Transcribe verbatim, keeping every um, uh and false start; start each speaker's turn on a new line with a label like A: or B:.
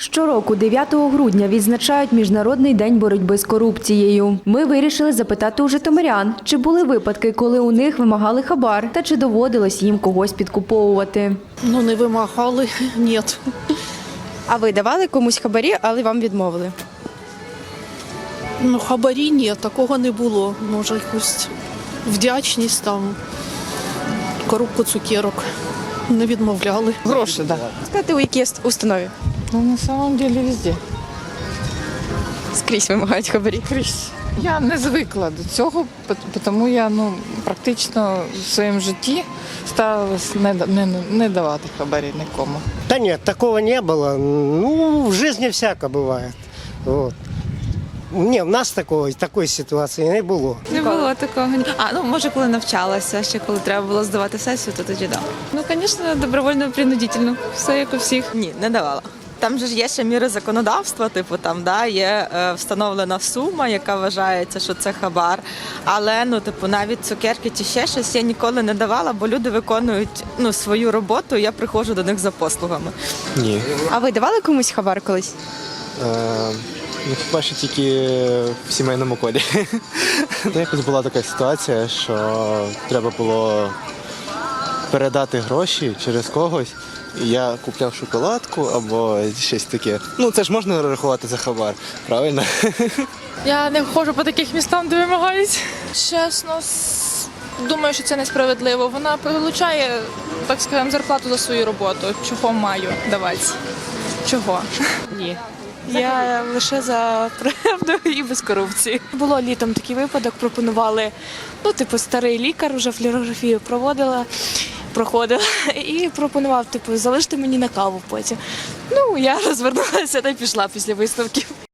A: Щороку дев'ятого грудня відзначають Міжнародний день боротьби з корупцією. Ми вирішили запитати у житомирян, чи були випадки, коли у них вимагали хабар, та чи доводилось їм когось підкуповувати.
B: Ну, не вимагали, ні.
C: А ви давали комусь хабарі, але вам відмовили?
B: Ну, хабарі ні, такого не було. Може, якусь вдячність, там, коробку цукерок не відмовляли.
D: Гроші, так. Да.
C: Сказати, у якій установі?
D: Ну, на самом деле везде.
C: Скрізь вимагають хабарі.
D: Крізь. Я не звикла до цього, тому я ну, практично в своєму житті старалась не, не, не давати хабарі нікому.
E: Да нет, такого не было. Ну, в жизни всяко бывает. Вот. Ні, в нас такого, такої ситуації не було.
F: Не було такого. А, ну, може, коли навчалася, ще коли треба було здавати сесію, то тоді дав. Ну, звісно, добровольно, принудительно. Все як у всіх.
G: Ні, не давала. Там же ж є ще міри законодавства, типу там да, є е, встановлена сума, яка вважається, що це хабар. Але ну, типу, навіть цукерки чи ще щось я ніколи не давала, бо люди виконують ну, свою роботу, і я приходжу до них за послугами.
H: Ні.
C: А ви давали комусь хабар колись?
H: Е, ну, хіба що тільки в сімейному колі. Якось була така ситуація, що треба було передати гроші через когось. І я купляв шоколадку або щось таке. Ну, це ж можна рахувати за хабар, правильно?
I: Я не ходжу по таких містам, де вимагають. Чесно, с- думаю, що це несправедливо. Вона получає, так скажемо, зарплату за свою роботу. Чого маю давати? Чого?
F: Ні. Я лише за правду і без корупції.
J: Було літом такий випадок, пропонували, ну, типу, старий лікар, вже флюорографію проводила, проходила, і пропонував, типу, залишити мені на каву потім. Ну, я розвернулася та й пішла після виставки.